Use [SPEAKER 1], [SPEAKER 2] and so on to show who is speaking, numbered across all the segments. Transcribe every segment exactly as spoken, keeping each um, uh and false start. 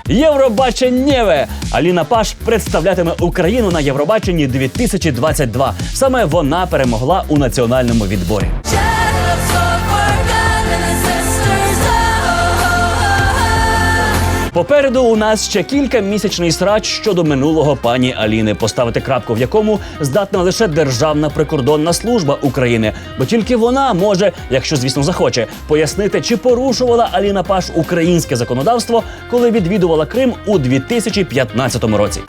[SPEAKER 1] Євробаченнєве! Аліна Паш представлятиме Україну на Євробаченні дві тисячі двадцять два. Саме вона перемогла у національному відборі. Попереду у нас ще кількамісячний срач щодо минулого пані Аліни, поставити крапку в якому здатна лише Державна прикордонна служба України. Бо тільки вона може, якщо, звісно, захоче, пояснити, чи порушувала Аліна Паш українське законодавство, коли відвідувала Крим у дві тисячі п'ятнадцятому році.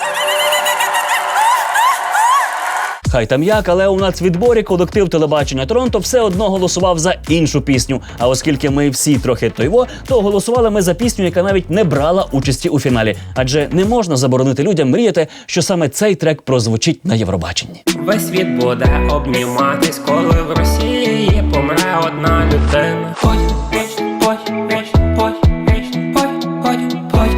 [SPEAKER 1] Хай там як, але у нацвідборі колектив телебачення Торонто все одно голосував за іншу пісню. А оскільки ми всі трохи тойво, то голосували ми за пісню, яка навіть не брала участі у фіналі. Адже не можна заборонити людям мріяти, що саме цей трек прозвучить на Євробаченні.
[SPEAKER 2] Весь світ буде обніматись, коли в Росії помре одна людина. Ой, ой, ой, ой, ой, ой, ой, ой.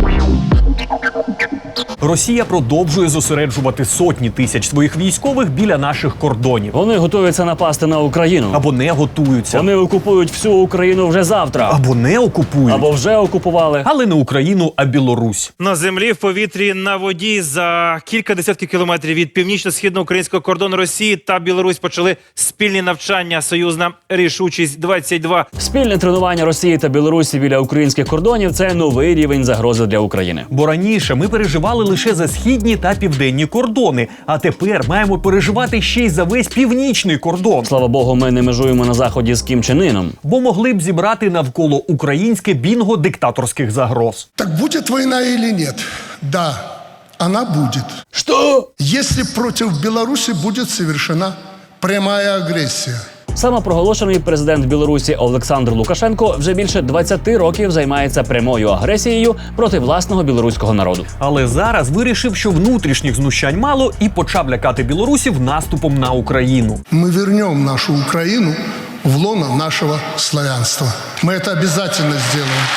[SPEAKER 3] Росія продовжує зосереджувати сотні тисяч своїх військових біля наших кордонів.
[SPEAKER 1] Вони готуються напасти на Україну.
[SPEAKER 3] Або не готуються.
[SPEAKER 1] Вони окупують всю Україну вже завтра.
[SPEAKER 3] Або не окупують.
[SPEAKER 1] Або вже окупували.
[SPEAKER 3] Але не Україну, а Білорусь.
[SPEAKER 4] На землі, в повітрі, на воді за кілька десятків кілометрів від північно-східно-українського кордону Росії та Білорусь почали спільні навчання «Союзна рішучість двадцять два».
[SPEAKER 1] Спільне тренування Росії та Білорусі біля українських кордонів – це новий рівень загрози для України.
[SPEAKER 3] Бо раніше ми переживали лише за східні та південні кордони, а тепер маємо переживати ще й за весь північний кордон.
[SPEAKER 1] Слава Богу, ми не межуємо на заході з Кім Чен Іном.
[SPEAKER 3] Бо могли б зібрати навколо українське бінго диктаторських загроз.
[SPEAKER 5] Так будет война или нет? Да, она будет.
[SPEAKER 1] Что?
[SPEAKER 5] Если против Беларуси будет совершена прямая агрессия.
[SPEAKER 1] Самопроголошений президент Білорусі Олександр Лукашенко вже більше двадцяти років займається прямою агресією проти власного білоруського народу.
[SPEAKER 3] Але зараз вирішив, що внутрішніх знущань мало і почав лякати білорусів наступом на Україну.
[SPEAKER 5] Мы вернем нашу Украину в лоно нашего славянства. Мы это обязательно сделаем.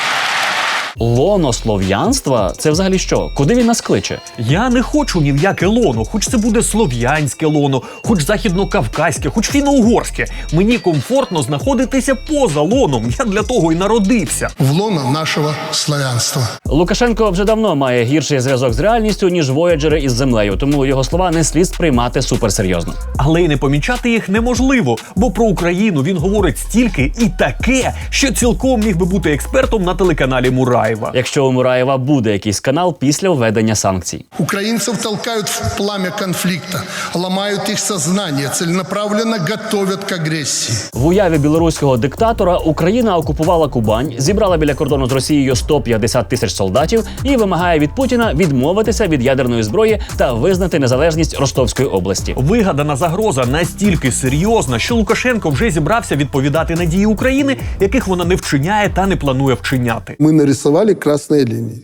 [SPEAKER 1] Лоно слов'янства? Це взагалі що? Куди він нас кличе?
[SPEAKER 3] Я не хочу ні в яке лоно, хоч це буде слов'янське лоно, хоч західно-кавказьке, хоч фіно-угорське. Мені комфортно знаходитися поза лоном, я для того і народився.
[SPEAKER 5] В лоно нашего славянства.
[SPEAKER 1] Лукашенко вже давно має гірший зв'язок з реальністю, ніж вояджери із землею, тому його слова не слід сприймати суперсерйозно.
[SPEAKER 3] Але й не помічати їх неможливо, бо про Україну він говорить стільки і таке, що цілком міг би бути експертом на телеканалі Мураєва.
[SPEAKER 1] Якщо у Мураєва буде якийсь канал після введення санкцій.
[SPEAKER 5] Украинцев толкают в пламя конфликта, ломают их сознание, целенаправленно готовят к агрессии.
[SPEAKER 1] В уяві білоруського диктатора Україна окупувала Кубань, зібрала біля кордону з Росією сто п'ятдесят тисяч солдатів і вимагає від Путіна відмовитися від ядерної зброї та визнати незалежність Ростовської області.
[SPEAKER 3] Вигадана загроза настільки серйозна, що Лукашенко вже зібрався відповідати на дії України, яких вона не вчиняє та не планує вчиняти.
[SPEAKER 6] Мы нарисовали красные линии.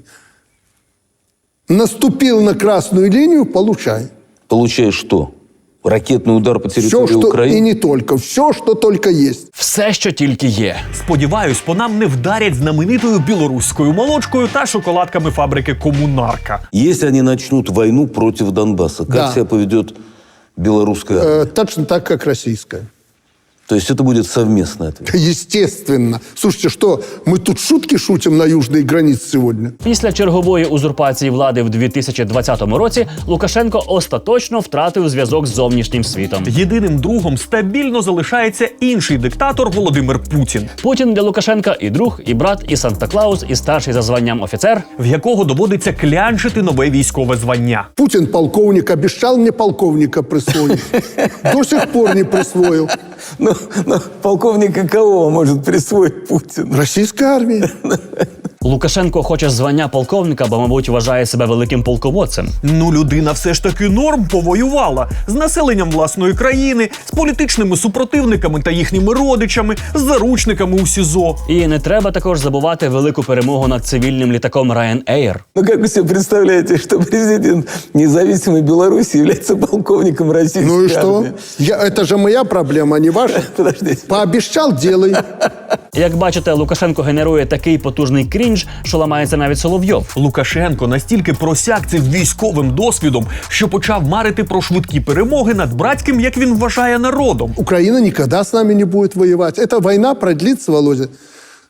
[SPEAKER 6] Наступил на красную линию, получай.
[SPEAKER 7] Получаешь что? Ракетный удар по территории
[SPEAKER 6] Все, что
[SPEAKER 7] Украины?
[SPEAKER 6] и не только. Все, что только есть.
[SPEAKER 1] Все, що тільки є.
[SPEAKER 3] Сподіваюсь, по нам не вдарять знаменитою білоруською молочкою та шоколадками фабрики «Коммунарка».
[SPEAKER 7] Если они начнут войну против Донбасса, как
[SPEAKER 6] Да.
[SPEAKER 7] себя поведет белорусская армия?
[SPEAKER 6] Э, точно так, как российская.
[SPEAKER 7] То есть это будет совместный ответ?
[SPEAKER 6] Естественно. Слушайте, что, мы тут шутки шутим на южной границе сегодня?
[SPEAKER 1] Після чергової узурпації влади в дві тисячі двадцятому році Лукашенко остаточно втратив зв'язок з зовнішнім світом.
[SPEAKER 3] Єдиним другом стабільно залишається інший диктатор Володимир Путін,
[SPEAKER 1] Путін для Лукашенка і друг, і брат, і Санта-Клаус, і старший за званням офіцер.
[SPEAKER 3] в якого доводиться клянчити нове військове звання.
[SPEAKER 6] Путин полковник, обещал мне полковника присвоить. До сих пор не присвоил.
[SPEAKER 7] Ну, ну, полковника кого может присвоить Путин?
[SPEAKER 6] Российская армия.
[SPEAKER 1] Лукашенко хоче звання полковника, бо, мабуть, вважає себе великим полководцем.
[SPEAKER 3] Ну, людина все ж таки норм повоювала. З населенням власної країни, з політичними супротивниками та їхніми родичами, з заручниками у СІЗО.
[SPEAKER 1] І не треба також забувати велику перемогу над цивільним літаком Ryanair.
[SPEAKER 7] Ну как вы себе представляете, что президент независимой Беларуси является полковником российской
[SPEAKER 6] Ну и что?
[SPEAKER 7] армии?
[SPEAKER 6] Я, это же моя проблема, а не ваша.
[SPEAKER 7] Подождите.
[SPEAKER 6] Пообещал, делай.
[SPEAKER 1] Як бачите, Лукашенко генерує такий потужний крінж, що ламається навіть Соловйов.
[SPEAKER 3] Лукашенко настільки просяк цим військовим досвідом, що почав марити про швидкі перемоги над братським, як він вважає, народом.
[SPEAKER 6] Украина никогда с нами не будет воевать. Эта война продлится, Володя,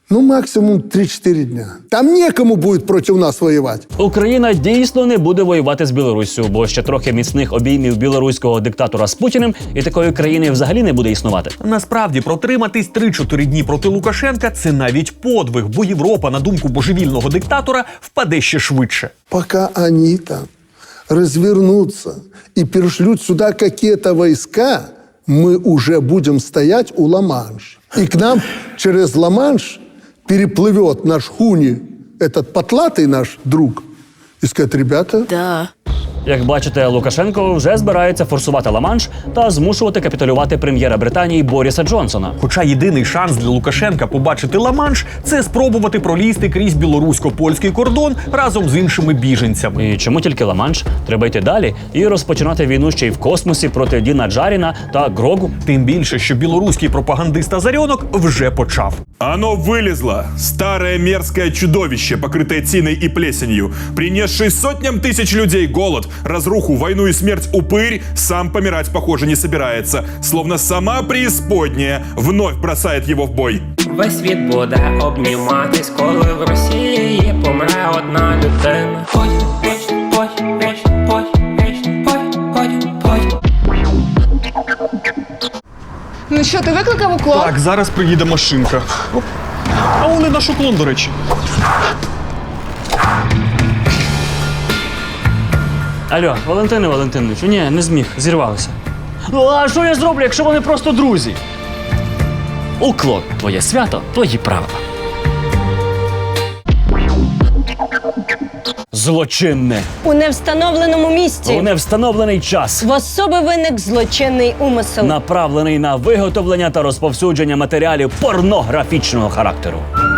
[SPEAKER 6] Ну, максимум три-четыре дня. Там некому будет против нас воевать.
[SPEAKER 1] Україна дійсно не буде воювати з Білоруссю, бо ще трохи міцних обіймів білоруського диктатора з Путіним, і такої країни взагалі не буде існувати.
[SPEAKER 3] Насправді, протриматись три-чотири дні проти Лукашенка – це навіть подвиг, бо Європа, на думку божевільного диктатора, впаде ще швидше.
[SPEAKER 6] Пока они там развернутся и перешлют сюда какие-то войска, мы уже будем стоять у Ла-Манш. И к нам через Ла-Манш переплывет наш Хуни, этот потлатый наш друг, и скажет: ребята,
[SPEAKER 8] Да.
[SPEAKER 1] Як бачите, Лукашенко вже збирається форсувати Ла-Манш та змушувати капітулювати прем'єра Британії Боріса Джонсона.
[SPEAKER 3] Хоча єдиний шанс для Лукашенка побачити Ла-Манш – це спробувати пролізти крізь білорусько-польський кордон разом з іншими біженцями.
[SPEAKER 1] І чому тільки Ла-Манш? Треба йти далі і розпочинати війну ще й в космосі проти Діна Джаріна та Грогу.
[SPEAKER 3] Тим більше, що білоруський пропагандист Азарьонок вже почав.
[SPEAKER 9] Оно вылезло. Старое мерзкое чудовище, покрытое тиной и плесенью, принесшее сотням тысяч людей голод, разруху, войну и смерть упырь, сам помирать, похоже, не собирается. Словно сама преисподняя вновь бросает его в бой.
[SPEAKER 2] Весь світ буде обніматись, коли в Росії помре одна людина. Ой, вічно, ой, вічно, ой, вічно, ой, ой, ой.
[SPEAKER 8] Ну що, ти викликав уклон?
[SPEAKER 3] Так, зараз приїде машинка. Оп. А вони наш уклон, до речі.
[SPEAKER 1] Алло, Валентине Валентиновичу, ні, не зміг, зірвалося. Ну а що я зроблю, якщо вони просто друзі? Уклон, твоє свято, твої правила. Злочинне.
[SPEAKER 8] У невстановленому місці.
[SPEAKER 1] У невстановлений час.
[SPEAKER 8] В особи виник злочинний умисел.
[SPEAKER 1] Направлений на виготовлення та розповсюдження матеріалів порнографічного характеру.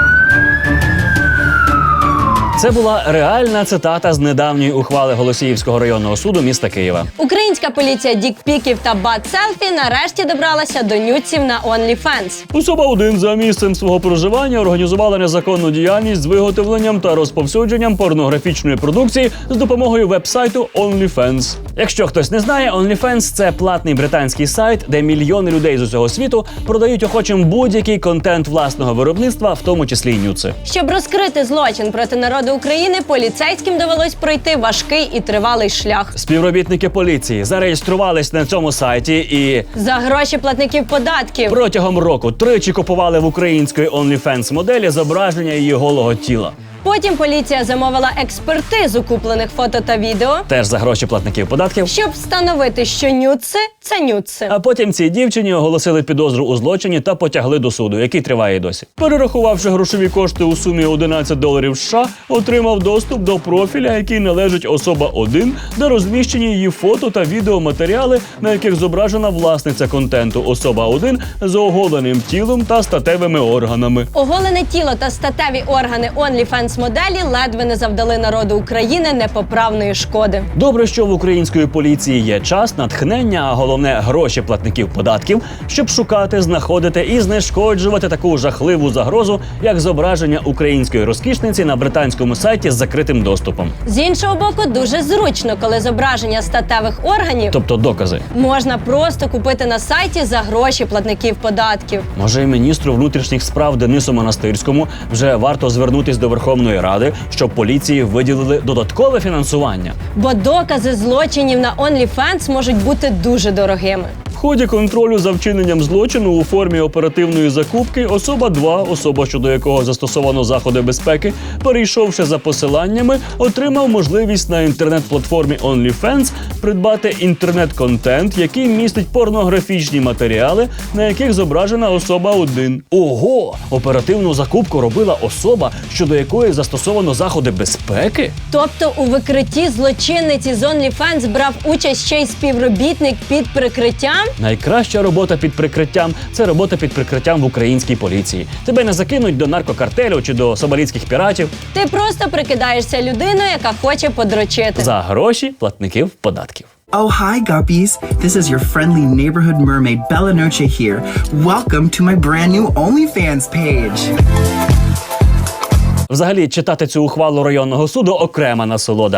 [SPEAKER 1] Це була реальна цитата з недавньої ухвали Голосіївського районного суду міста Києва.
[SPEAKER 8] Українська поліція дікпіків та бат-селфі нарешті добралася до нюців на OnlyFans.
[SPEAKER 1] Особа один за місцем свого проживання організувала незаконну діяльність з виготовленням та розповсюдженням порнографічної продукції з допомогою веб-сайту OnlyFans. Якщо хтось не знає, OnlyFans – це платний британський сайт, де мільйони людей з усього світу продають охочим будь-який контент власного виробництва, в тому числі й нюци.
[SPEAKER 8] Щоб розкрити злочин проти народу України, поліцейським довелось пройти важкий і тривалий шлях.
[SPEAKER 1] Співробітники поліції зареєструвались на цьому сайті і
[SPEAKER 8] За гроші платників податків.
[SPEAKER 1] протягом року тричі купували в української OnlyFans моделі зображення її голого тіла.
[SPEAKER 8] Потім поліція замовила експертизу куплених фото та відео,
[SPEAKER 1] Теж за гроші платників податків.
[SPEAKER 8] щоб встановити, що нюци – це нюци.
[SPEAKER 1] А потім цій дівчині оголосили підозру у злочині та потягли до суду, який триває й досі. Перерахувавши грошові кошти у сумі одинадцять доларів США, отримав доступ до профіля, який належить особа один, де розміщені її фото та відеоматеріали, на яких зображена власниця контенту особа один з оголеним тілом та статевими органами.
[SPEAKER 8] Оголене тіло та статеві органи OnlyFans моделі ледве не завдали народу України непоправної шкоди.
[SPEAKER 1] Добре, що в української поліції є час, натхнення, а головне гроші платників податків, щоб шукати, знаходити і знешкоджувати таку жахливу загрозу, як зображення української розкішниці на британському сайті з закритим доступом.
[SPEAKER 8] З іншого боку, дуже зручно, коли зображення статевих органів
[SPEAKER 1] Тобто докази.
[SPEAKER 8] можна просто купити на сайті за гроші платників податків.
[SPEAKER 1] Може, і міністру внутрішніх справ Денису Монастирському вже варто звернутись до Верховної Ради, щоб поліції виділили додаткове фінансування.
[SPEAKER 8] Бо докази злочинів на OnlyFans можуть бути дуже дорогими.
[SPEAKER 1] В ході контролю за вчиненням злочину у формі оперативної закупки особа два, особа, щодо якого застосовано заходи безпеки, перейшовши за посиланнями, отримав можливість на інтернет-платформі OnlyFans придбати інтернет-контент, який містить порнографічні матеріали, на яких зображена особа один. Ого! Оперативну закупку робила особа, щодо якої застосовано заходи безпеки?
[SPEAKER 8] Тобто у викритті злочинниці з OnlyFans брав участь ще й співробітник під прикриттям?
[SPEAKER 1] Найкраща робота під прикриттям – це робота під прикриттям в українській поліції. Тебе не закинуть до наркокартелю чи до сомалійських піратів.
[SPEAKER 8] Ти просто прикидаєшся людиною, яка хоче подрочити.
[SPEAKER 1] За гроші платників податків.
[SPEAKER 10] Oh, hi, guppies. This is your friendly neighborhood mermaid, Bella Noche here. Welcome to my brand new OnlyFans page.
[SPEAKER 1] Взагалі, читати цю ухвалу районного суду – окрема насолода.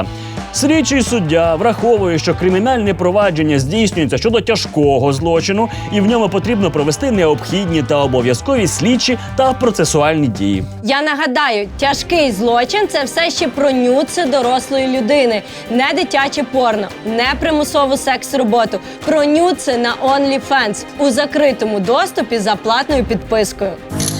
[SPEAKER 1] Слідчий суддя враховує, що кримінальне провадження здійснюється щодо тяжкого злочину, і в ньому потрібно провести необхідні та обов'язкові слідчі та процесуальні дії.
[SPEAKER 8] Я нагадаю, тяжкий злочин – це все ще про нюци дорослої людини, не дитяче порно, не примусову секс-роботу, про нюци на OnlyFans у закритому доступі за платною підпискою.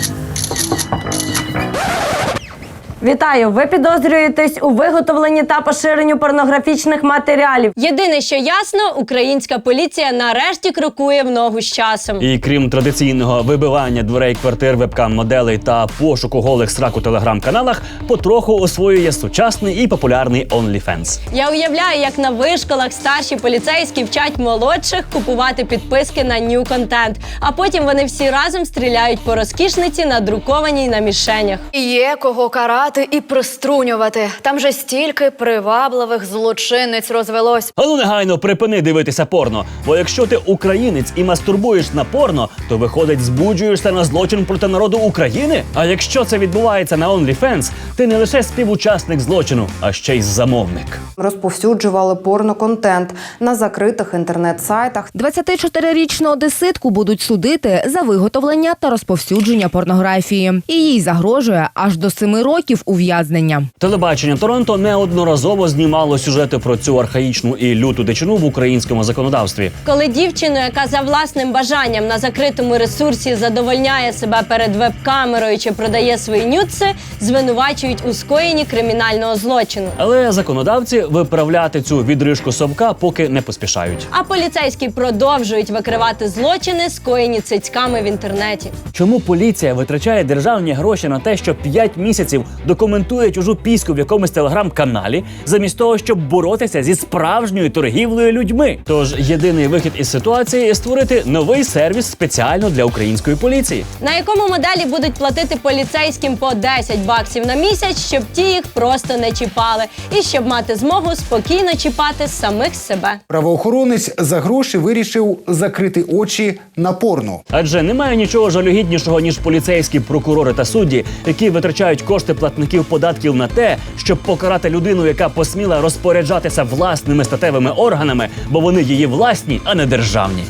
[SPEAKER 8] Вітаю! Ви підозрюєтесь у виготовленні та поширенні порнографічних матеріалів. Єдине, що ясно, українська поліція нарешті крокує в ногу з часом.
[SPEAKER 1] І крім традиційного вибивання дверей квартир вебкам-моделей та пошуку голих срак у телеграм-каналах, потроху освоює сучасний і популярний OnlyFans.
[SPEAKER 8] Я уявляю, як на вишколах старші поліцейські вчать молодших купувати підписки на нью-контент, а потім вони всі разом стріляють по розкішниці, надрукованій на мішенях.
[SPEAKER 11] Є кого карати і приструнювати. Там же стільки привабливих злочинниць розвелось.
[SPEAKER 1] А ну негайно припини дивитися порно, бо якщо ти українець і мастурбуєш на порно, то виходить, збуджуєшся на злочин проти народу України? А якщо це відбувається на OnlyFans, ти не лише співучасник злочину, а ще й замовник.
[SPEAKER 12] Розповсюджували порноконтент на закритих інтернет-сайтах.
[SPEAKER 13] двадцятичотирирічну одеситку будуть судити за виготовлення та розповсюдження порнографії. І їй загрожує аж до семи років ув'язнення.
[SPEAKER 1] Телебачення Торонто неодноразово знімало сюжети про цю архаїчну і люту дичину в українському законодавстві.
[SPEAKER 8] Коли дівчину, яка за власним бажанням на закритому ресурсі задовольняє себе перед веб-камерою чи продає свої нюци, звинувачують у скоєнні кримінального злочину.
[SPEAKER 1] Але законодавці виправляти цю відрижку совка поки не поспішають.
[SPEAKER 8] А поліцейські продовжують викривати злочини, скоєні цицьками в інтернеті.
[SPEAKER 1] Чому поліція витрачає державні гроші на те, що п'ять місяців документує чужу піську в якомусь телеграм-каналі, замість того, щоб боротися зі справжньою торгівлею людьми? Тож єдиний вихід із ситуації – створити новий сервіс спеціально для української поліції.
[SPEAKER 8] На якому моделі будуть платити поліцейським по десять баксів на місяць, щоб ті їх просто не чіпали. І щоб мати змогу спокійно чіпати самих себе.
[SPEAKER 14] Правоохоронець за гроші вирішив закрити очі на порно.
[SPEAKER 1] Адже немає нічого жалюгіднішого, ніж поліцейські прокурори та судді, які витрачають кошти платників податків на те, щоб покарати людину, яка посміла розпоряджатися власними статевими органами, бо вони її власні, а не державні.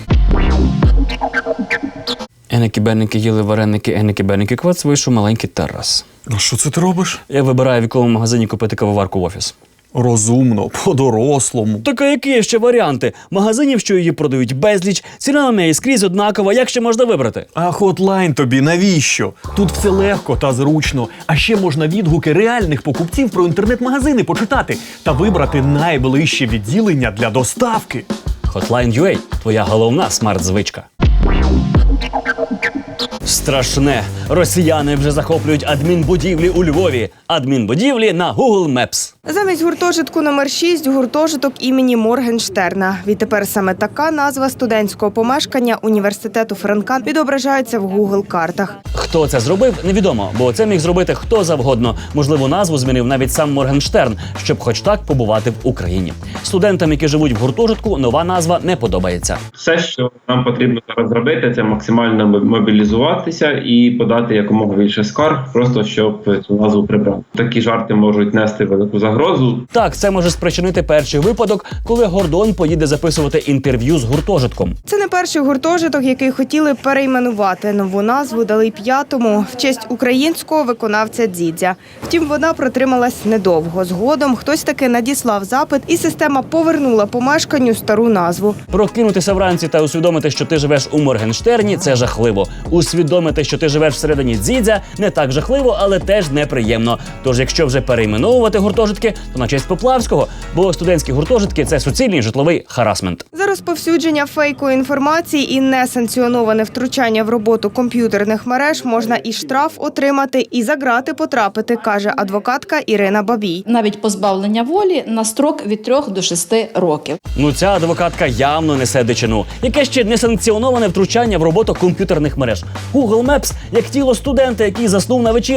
[SPEAKER 1] Еники-беники їли вареники, еники-беники квац, вийшов маленький Тарас.
[SPEAKER 3] А що це ти робиш?
[SPEAKER 1] Я вибираю, в якому магазині купити кавоварку в офіс.
[SPEAKER 3] Розумно, по-дорослому.
[SPEAKER 1] Так а які є ще варіанти? Магазинів, що її продають, безліч, ціна на неї скрізь однакова, як ще можна вибрати?
[SPEAKER 3] А хотлайн тобі навіщо? Тут все легко та зручно. А ще можна відгуки реальних покупців про інтернет-магазини почитати та вибрати найближче відділення для доставки.
[SPEAKER 1] Hotline.ua – твоя головна смарт-звичка. Страшне. Росіяни вже захоплюють адмінбудівлі у Львові. Адмінбудівлі на Google Maps.
[SPEAKER 15] Замість гуртожитку номер шість – гуртожиток імені Моргенштерна. Відтепер саме така назва студентського помешкання університету Франка відображається в Google-картах.
[SPEAKER 1] Хто це зробив, невідомо, бо це міг зробити хто завгодно. Можливо, назву змінив навіть сам Моргенштерн, щоб хоч так побувати в Україні. Студентам, які живуть в гуртожитку, нова назва не подобається.
[SPEAKER 16] Все, що нам потрібно зараз зробити, це максимально мобілізуватися і подати якомога більше скарг, просто щоб цю назву прибрати. Такі жарти можуть нести велику загрозу.
[SPEAKER 1] Так, це може спричинити перший випадок, коли Гордон поїде записувати інтерв'ю з гуртожитком.
[SPEAKER 15] Це не перший гуртожиток, який хотіли перейменувати. Нову назву дали п'ятому в честь українського виконавця Дзідзя. Втім, вона протрималась недовго. Згодом хтось таки надіслав запит, і система повернула помешканню стару назву.
[SPEAKER 1] Прокинутися вранці та усвідомити, що ти живеш у Моргенштерні – це жахливо. Усвідомити, що ти живеш всередині Дзідзя – не так жахливо, але теж неприємно. Тож, якщо вже перейменовувати гуртожитки, то на честь Поплавського, бо студентські гуртожитки – це суцільний житловий харасмент.
[SPEAKER 15] За розповсюдження фейкової інформації і несанкціоноване втручання в роботу комп'ютерних мереж можна і штраф отримати, і за грати потрапити, каже адвокатка Ірина Бабій.
[SPEAKER 17] Навіть позбавлення волі на строк від трьох до шести років.
[SPEAKER 1] Ну ця адвокатка явно несе дичину. Яке ще несанкціоноване втручання в роботу комп'ютерних мереж. Google Maps – як тіло студента, який заснув на вечірці.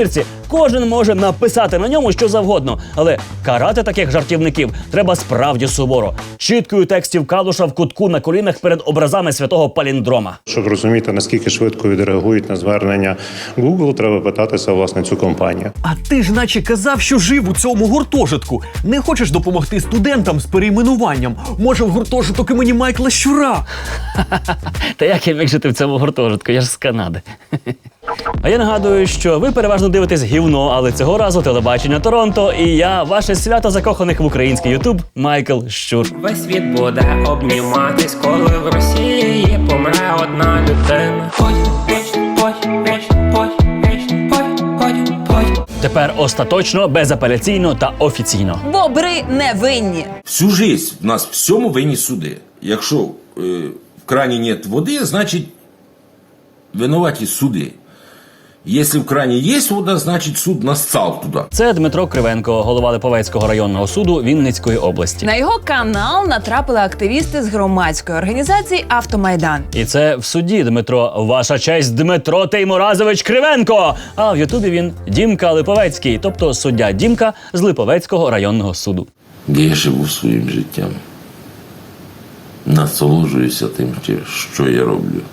[SPEAKER 1] кожен може написати на ньому що завгодно, але карати таких жартівників треба справді суворо. Чіткою текстів Калуша в кутку на колінах перед образами святого паліндрома.
[SPEAKER 18] Щоб розуміти, наскільки швидко відреагують на звернення Google, треба питатися, власне, цю компанію.
[SPEAKER 3] А ти ж наче казав, що жив у цьому гуртожитку. Не хочеш допомогти студентам з перейменуванням? Може, в гуртожиток імені Майкла Щура?
[SPEAKER 1] Та як я міг жити в цьому гуртожитку? Я ж з Канади. А я нагадую, що ви переважно дивитесь гівно, але цього разу телебачення Торонто, і я, ваше свято закоханих в український ютуб, Майкл Щур.
[SPEAKER 2] Весь світ буде обніматись, коли в Росії помре одна людина. Ой, вічно, ой, вічно, ой, вічно, ой, ой, ой.
[SPEAKER 1] Тепер остаточно, безапеляційно та офіційно.
[SPEAKER 19] Бобри не винні.
[SPEAKER 20] Всю жизнь в нас всьому винні суди. Якщо е, в крані нет води, значить винуваті суди. Якщо в крані є вода, значить суд нассал туди.
[SPEAKER 1] Це Дмитро Кривенко, голова Липовецького районного суду Вінницької області.
[SPEAKER 19] На його канал натрапили активісти з громадської організації «Автомайдан».
[SPEAKER 1] І це в суді, Дмитро. Ваша честь, Дмитро Теймуразович Кривенко! А в Ютубі він Дімка Липовецький, тобто суддя Дімка з Липовецького районного суду.
[SPEAKER 20] Я живу своїм життям. Насолоджуюся тим, що я роблю.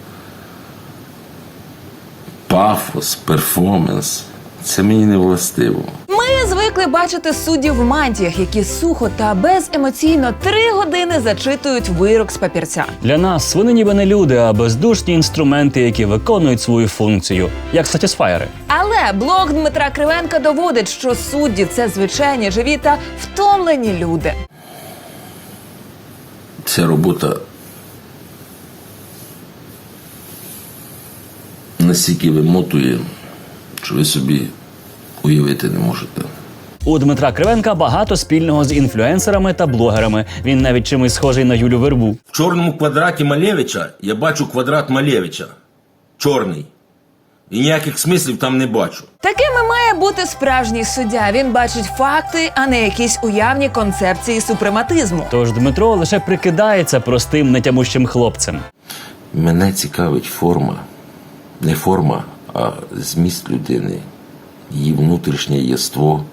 [SPEAKER 20] Пафос, перформанс – це мені не властиво.
[SPEAKER 19] Ми звикли бачити суддів в мантіях, які сухо та беземоційно три години зачитують вирок з папірця.
[SPEAKER 1] Для нас вони ніби не люди, а бездушні інструменти, які виконують свою функцію, як сатісфаєри.
[SPEAKER 19] Але блог Дмитра Кривенка доводить, що судді – це звичайні, живі та втомлені люди.
[SPEAKER 20] Ця робота настільки вимотує, що ви собі уявити не можете.
[SPEAKER 1] У Дмитра Кривенка багато спільного з інфлюенсерами та блогерами. Він навіть чимось схожий на Юлю Вербу.
[SPEAKER 20] В чорному квадраті Малевича я бачу квадрат Малевича. Чорний. І ніяких смислів там не бачу.
[SPEAKER 19] Такими має бути справжній суддя. Він бачить факти, а не якісь уявні концепції супрематизму.
[SPEAKER 1] Тож Дмитро лише прикидається простим, нетямущим хлопцем.
[SPEAKER 20] Мене цікавить форма. Не форма, а зміст людини, її внутрішнє єство,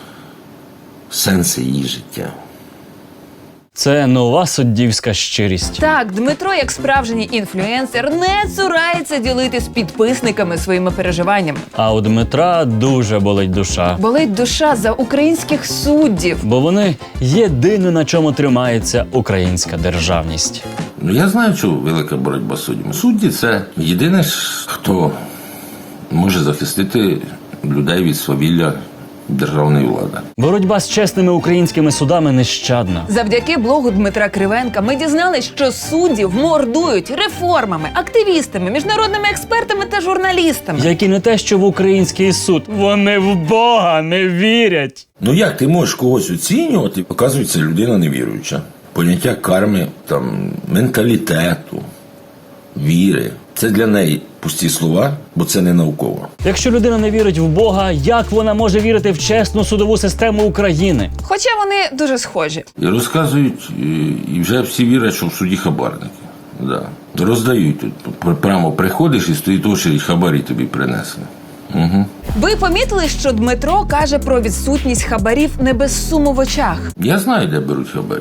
[SPEAKER 20] сенси її життя.
[SPEAKER 1] Це нова суддівська щирість.
[SPEAKER 19] Так, Дмитро, як справжній інфлюенсер, не цурається ділитись з підписниками своїми переживаннями.
[SPEAKER 1] А у Дмитра дуже болить душа.
[SPEAKER 19] Болить душа за українських суддів.
[SPEAKER 1] Бо вони єдине, на чому тримається українська державність.
[SPEAKER 20] Ну, я знаю, що велика боротьба з суддями. Судді – це єдине, хто може захистити людей від свавілля державної влади.
[SPEAKER 1] Боротьба з чесними українськими судами нещадна.
[SPEAKER 19] Завдяки блогу Дмитра Кривенка ми дізналися, що суддів мордують реформами, активістами, міжнародними експертами та журналістами.
[SPEAKER 1] Які не те, що в український суд. Вони в Бога не вірять.
[SPEAKER 20] Ну як ти можеш когось оцінювати? Оказується, людина невіруюча. Поняття карми, там, менталітету, віри. Це для неї пусті слова, бо це не науково.
[SPEAKER 1] Якщо людина не вірить в Бога, як вона може вірити в чесну судову систему України?
[SPEAKER 19] Хоча вони дуже схожі.
[SPEAKER 20] І розказують, і вже всі вірять, що в суді хабарники. Да. Роздають тут. Прямо приходиш і стоїть очередь, хабарі тобі принесли. Угу.
[SPEAKER 19] Ви помітили, що Дмитро каже про відсутність хабарів не без суму в очах?
[SPEAKER 20] Я знаю, де беруть хабарі.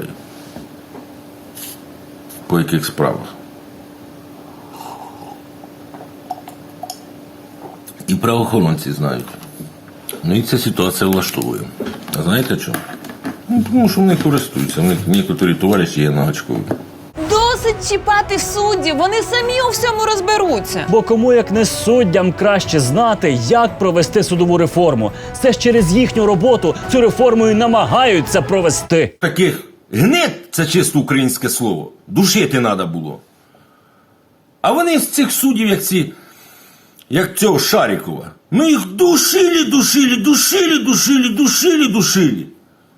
[SPEAKER 20] По яких справах. І правоохоронці знають. Ну і ця ситуація влаштовує. А знаєте чому? Ну, тому що вони користуються. У них некоторі товариші є на гачкові.
[SPEAKER 19] Досить чіпати суддів, вони самі у всьому розберуться.
[SPEAKER 1] Бо кому, як не суддям, краще знати, як провести судову реформу. Це ж через їхню роботу цю реформу і намагаються провести.
[SPEAKER 20] Таких гнид, це чисто українське слово, душити треба було. А вони з цих суддів, як ці, як цього Шарікова, ну їх душили, душили, душили, душили, душили, душили.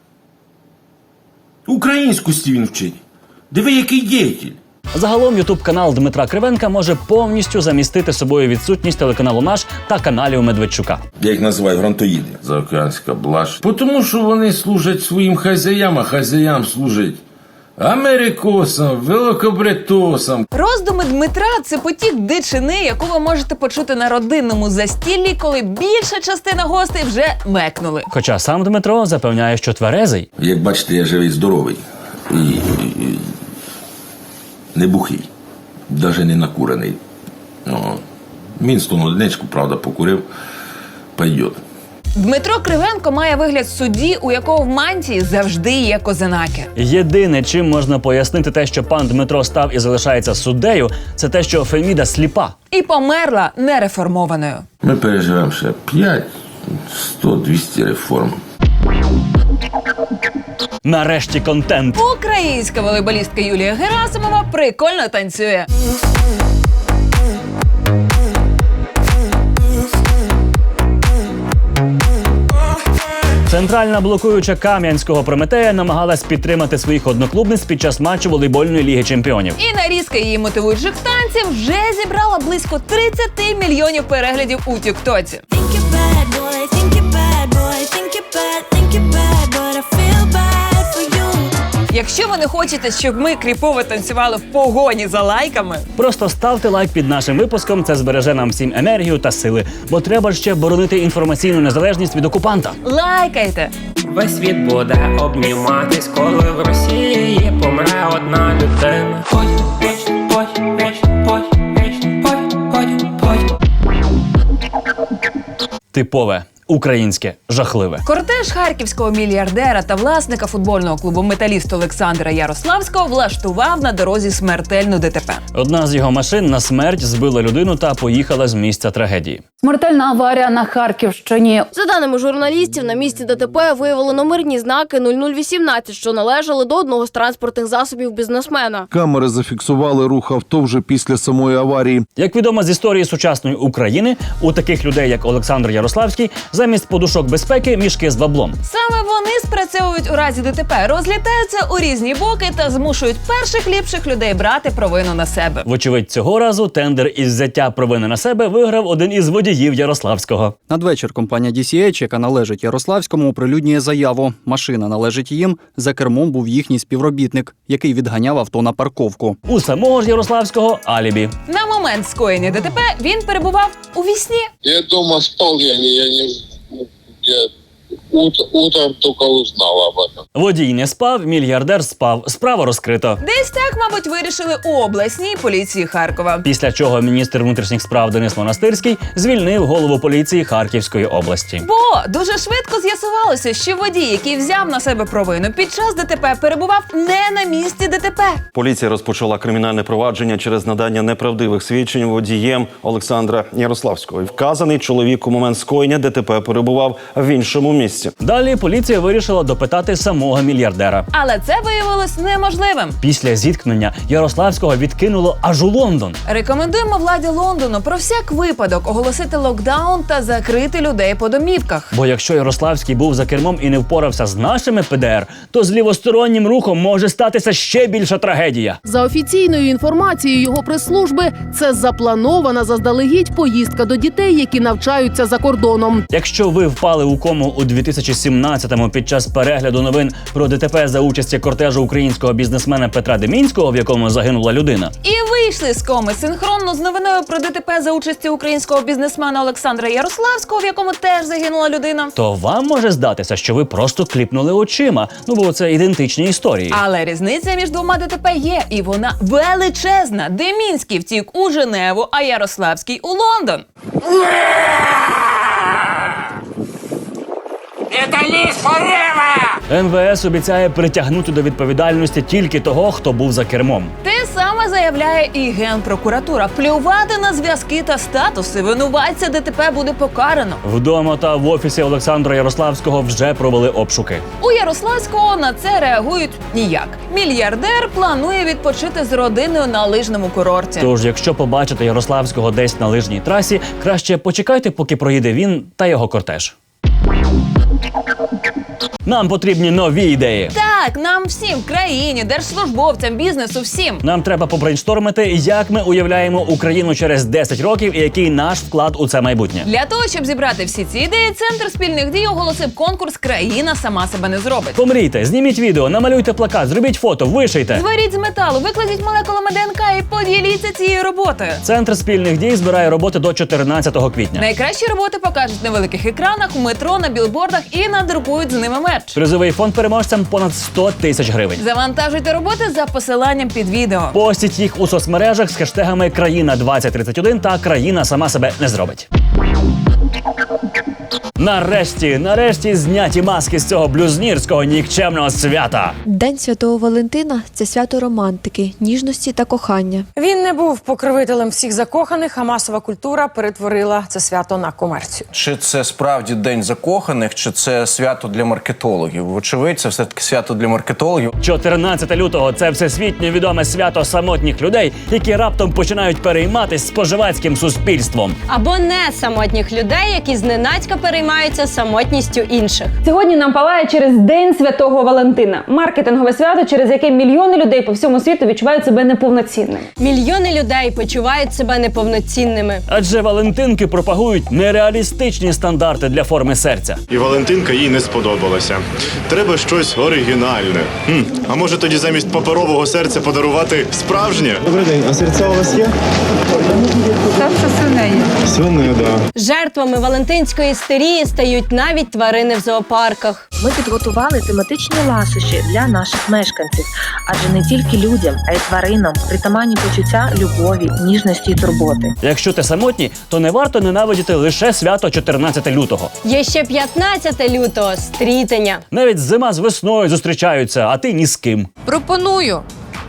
[SPEAKER 20] Українськості він вчить. Диви, який діятель.
[SPEAKER 1] Загалом ютуб-канал Дмитра Кривенка може повністю замістити собою відсутність телеканалу «Наш» та каналів Медведчука.
[SPEAKER 20] Я їх називаю грантоїди. Заокеанська блаш. Тому що вони служать своїм хазяям, а хазяям служать Америкосом, великобритосом.
[SPEAKER 19] Роздуми Дмитра – це потік дичини, яку ви можете почути на родинному застіллі, коли більша частина гостей вже мекнули.
[SPEAKER 1] Хоча сам Дмитро запевняє, що тверезий.
[SPEAKER 20] Як бачите, я живий, здоровий. І, і, і не бухий. Навіть не накурений. О, Мінстон одиничку, правда, покурив. Пойдет.
[SPEAKER 19] Дмитро Кривенко має вигляд судді, у якого в мантії завжди є козинаки.
[SPEAKER 1] Єдине, чим можна пояснити те, що пан Дмитро став і залишається суддею, це те, що Феміда сліпа.
[SPEAKER 19] І померла нереформованою.
[SPEAKER 20] Ми переживемо ще п'ять, сто, двісті реформ.
[SPEAKER 1] Нарешті контент.
[SPEAKER 19] Українська волейболістка Юлія Герасимова прикольно танцює.
[SPEAKER 1] Центральна блокуюча Кам'янського Прометея намагалась підтримати своїх одноклубниць під час матчу волейбольної ліги чемпіонів.
[SPEAKER 19] І нарізка її мотивуючих танців вже зібрала близько тридцять мільйонів переглядів у тіктоці. Якщо ви не хочете, щоб ми кріпово танцювали в погоні за лайками,
[SPEAKER 1] просто ставте лайк під нашим випуском, це збереже нам всім енергію та сили. Бо треба ж ще боронити інформаційну незалежність від окупанта.
[SPEAKER 19] Лайкайте!
[SPEAKER 2] Весь світ буде обніматись, коли в Росії помре одна людина. Ой, ой, ой, ой, ой, ой, ой, ой.
[SPEAKER 1] Типове. Українське, жахливе.
[SPEAKER 19] Кортеж харківського мільярдера та власника футбольного клубу «Металіст» Олександра Ярославського влаштував на дорозі смертельну ДТП.
[SPEAKER 1] Одна з його машин на смерть збила людину та поїхала з місця трагедії.
[SPEAKER 17] Смертельна аварія на Харківщині.
[SPEAKER 21] За даними журналістів, на місці ДТП виявили номерні знаки нуль нуль вісімнадцять, що належали до одного з транспортних засобів бізнесмена.
[SPEAKER 22] Камери зафіксували рух авто вже після самої аварії.
[SPEAKER 1] Як відомо з історії сучасної України, у таких людей, як Олександр Ярославський, замість подушок безпеки – мішки з баблом.
[SPEAKER 19] Саме вони спрацьовують у разі ДТП, розлітаються у різні боки та змушують перших ліпших людей брати провину на себе.
[SPEAKER 1] Вочевидь, цього разу тендер із взяття провини на себе виграв один із водіїв Ярославського.
[SPEAKER 23] Надвечір компанія ді сі ейч, яка належить Ярославському, оприлюднює заяву. Машина належить їм, за кермом був їхній співробітник, який відганяв авто на парковку.
[SPEAKER 1] У самого ж Ярославського алібі.
[SPEAKER 19] На момент скоєння ДТП він перебував у вісні.
[SPEAKER 24] Я дома спал, я не... Я не... Я ут, утром только узнал об этом.
[SPEAKER 1] Водій не спав, мільярдер спав. Справа розкрито.
[SPEAKER 19] Десь так, мабуть, вирішили у обласній поліції Харкова.
[SPEAKER 1] Після чого міністр внутрішніх справ Денис Монастирський звільнив голову поліції Харківської області.
[SPEAKER 19] Бо дуже швидко з'ясувалося, що водій, який взяв на себе провину під час ДТП, перебував не на місці ДТП.
[SPEAKER 25] Поліція розпочала кримінальне провадження через надання неправдивих свідчень водієм Олександра Ярославського. Вказаний чоловік у момент скоєння ДТП перебував в іншому місці.
[SPEAKER 1] Далі поліція вирішила допитати самого мільярдера.
[SPEAKER 19] Але це виявилось неможливим.
[SPEAKER 1] Після зіткнення Ярославського відкинуло аж у Лондон.
[SPEAKER 19] Рекомендуємо владі Лондону про всяк випадок оголосити локдаун та закрити людей по домівках.
[SPEAKER 1] Бо якщо Ярославський був за кермом і не впорався з нашими пе де ер, то з лівостороннім рухом може статися ще більша трагедія.
[SPEAKER 26] За офіційною інформацією його прес-служби, це запланована заздалегідь поїздка до дітей, які навчаються за кордоном.
[SPEAKER 1] Якщо ви впали у кому у дві тисячі сімнадцятому під час перегляду новин про ДТП за участі кортежу українського бізнесмена Петра Демінського, в якому загинула людина,
[SPEAKER 19] і вийшли з коми синхронно з новиною про ДТП за участі українського бізнесмена Олександра Ярославського, в якому теж загинула людина,
[SPEAKER 1] то вам може здатися, що ви просто кліпнули очима, ну бо це ідентичні історії.
[SPEAKER 19] Але різниця між двома ДТП є, і вона величезна. Демінський втік у Женеву, а Ярославський у Лондон.
[SPEAKER 1] ен ве ес обіцяє притягнути до відповідальності тільки того, хто був за кермом.
[SPEAKER 19] Те саме заявляє і Генпрокуратура. Плювати на зв'язки та статуси винуватця ДТП буде покарано.
[SPEAKER 1] Вдома та в офісі Олександра Ярославського вже провели обшуки.
[SPEAKER 19] У Ярославського на це реагують ніяк. Мільярдер планує відпочити з родиною на лижному курорті.
[SPEAKER 1] Тож, якщо побачите Ярославського десь на лижній трасі, краще почекайте, поки проїде він та його кортеж. Нам потрібні нові ідеї.
[SPEAKER 19] Так, нам всім, країні, держслужбовцям, бізнесу, всім.
[SPEAKER 1] Нам треба побрейнштормити, як ми уявляємо Україну через десять років і який наш вклад у це майбутнє.
[SPEAKER 19] Для того, щоб зібрати всі ці ідеї, Центр спільних дій оголосив конкурс «Країна сама себе не зробить».
[SPEAKER 1] Помрійте, зніміть відео, намалюйте плакат, зробіть фото, вишийте.
[SPEAKER 19] Зваріть з металу, викладіть молекулами ДНК і поділіться цією роботою.
[SPEAKER 1] Центр спільних дій збирає роботи до чотирнадцятого квітня.
[SPEAKER 19] Найкращі роботи покажуть на великих екранах, у метро, на білбордах і надрукують з ними мерч.
[SPEAKER 1] Призовий фонд переможцям понад сто тисяч гривень.
[SPEAKER 19] Завантажуйте роботи за посиланням під відео.
[SPEAKER 1] Постіть їх у соцмережах з хештегами «Країна двадцять тридцять один» та «Країна сама себе не зробить». Нарешті, нарешті зняті маски з цього блюзнірського нікчемного свята.
[SPEAKER 4] День Святого Валентина – це свято романтики, ніжності та кохання.
[SPEAKER 5] Він не був покровителем всіх закоханих, а масова культура перетворила це свято на комерцію.
[SPEAKER 6] Чи це справді День закоханих, чи це свято для маркетологів? Вочевидь, це все-таки свято для маркетологів.
[SPEAKER 1] чотирнадцяте лютого – це всесвітньо відоме свято самотніх людей, які раптом починають перейматись споживацьким суспільством.
[SPEAKER 8] Або не самотніх людей, які зненацька переймаються самотністю інших.
[SPEAKER 7] Сьогодні нам палає через День Святого Валентина. Маркетингове свято, через яке мільйони людей по всьому світу відчувають себе неповноцінними.
[SPEAKER 8] Мільйони людей почувають себе неповноцінними.
[SPEAKER 1] Адже Валентинки пропагують нереалістичні стандарти для форми серця.
[SPEAKER 9] І Валентинка їй не сподобалася. Треба щось оригінальне. Хм, а може тоді замість паперового серця подарувати справжнє? Добрий день, а серця у вас є?
[SPEAKER 5] Серце свиней.
[SPEAKER 9] Свине, да.
[SPEAKER 8] Жертвами валентинської істерії стають навіть тварини в зоопарках.
[SPEAKER 10] Ми підготували тематичні ласощі для наших мешканців, адже не тільки людям, а й тваринам притаманні почуття любові, ніжності і турботи.
[SPEAKER 1] Якщо ти самотній, то не варто ненавидіти лише свято чотирнадцяте лютого.
[SPEAKER 8] Є ще п'ятнадцяте лютого – стрітення.
[SPEAKER 1] Навіть зима з весною зустрічаються, а ти ні з ким.
[SPEAKER 27] Пропоную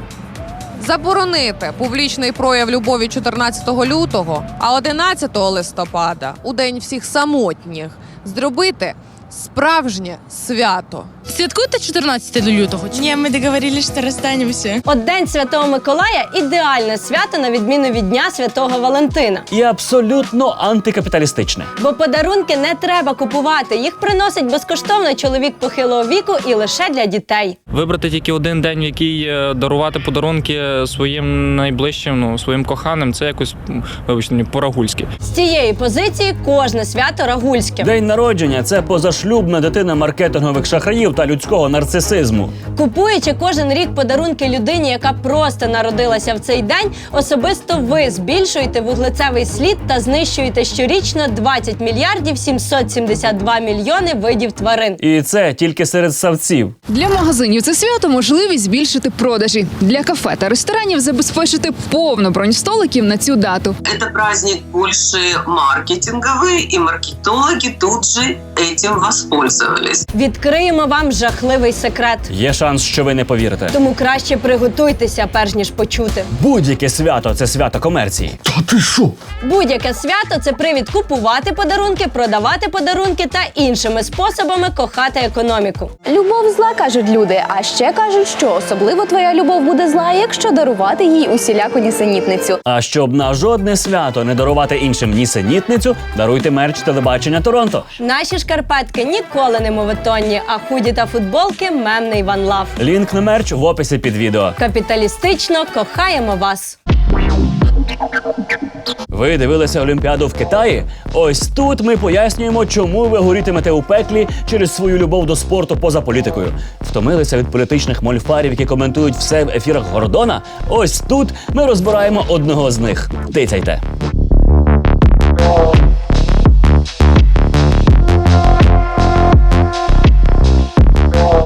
[SPEAKER 27] заборонити публічний прояв любові чотирнадцятого лютого, а одинадцятого листопада, у День всіх самотніх, зробити справжнє свято.
[SPEAKER 7] Святкуєте чотирнадцяте лютого? Ні, ми договорились, що розстанемося.
[SPEAKER 8] От День Святого Миколая – ідеальне свято на відміну від Дня Святого Валентина.
[SPEAKER 1] І абсолютно антикапіталістичне.
[SPEAKER 8] Бо подарунки не треба купувати, їх приносить безкоштовно чоловік похилого віку і лише для дітей.
[SPEAKER 28] Вибрати тільки один день, в який дарувати подарунки своїм найближчим, ну, своїм коханим, це якось, вибачте, по-рагульськи.
[SPEAKER 8] З цієї позиції кожне свято рагульське.
[SPEAKER 1] День народження – це позашлюбна дитина маркетингових шахраїв та людського нарцисизму.
[SPEAKER 8] Купуючи кожен рік подарунки людині, яка просто народилася в цей день, особисто ви збільшуєте вуглецевий слід та знищуєте щорічно двадцять мільярдів сімсот сімдесят два мільйони видів тварин.
[SPEAKER 1] І це тільки серед савців.
[SPEAKER 29] Для магазинів це свято можливість збільшити продажі. Для кафе та ресторанів забезпечити повну бронь столиків на цю дату.
[SPEAKER 30] Це праздник більше маркетинговий, і маркетологи тут же цим воспользовались.
[SPEAKER 8] Відкриємо вам жахливий секрет.
[SPEAKER 1] Є шанс, що ви не повірите.
[SPEAKER 8] Тому краще приготуйтеся, перш ніж почути.
[SPEAKER 1] Будь-яке свято – це свято комерції.
[SPEAKER 9] Та ти що?
[SPEAKER 8] Будь-яке свято – це привід купувати подарунки, продавати подарунки та іншими способами кохати економіку.
[SPEAKER 31] Любов зла, кажуть люди, а ще кажуть, що особливо твоя любов буде зла, якщо дарувати їй усіляку нісенітницю.
[SPEAKER 1] А щоб на жодне свято не дарувати іншим нісенітницю, даруйте мерч телебачення Торонто.
[SPEAKER 8] Наші шкарпетки ніколи не моветонні, а худі та футболки – мемний One Love.
[SPEAKER 1] Лінк на мерч в описі під відео.
[SPEAKER 8] Капіталістично кохаємо вас.
[SPEAKER 1] Ви дивилися Олімпіаду в Китаї? Ось тут ми пояснюємо, чому ви горітимете у пеклі через свою любов до спорту поза політикою. Втомилися від політичних мольфарів, які коментують все в ефірах Гордона? Ось тут ми розбираємо одного з них. Тицяйте.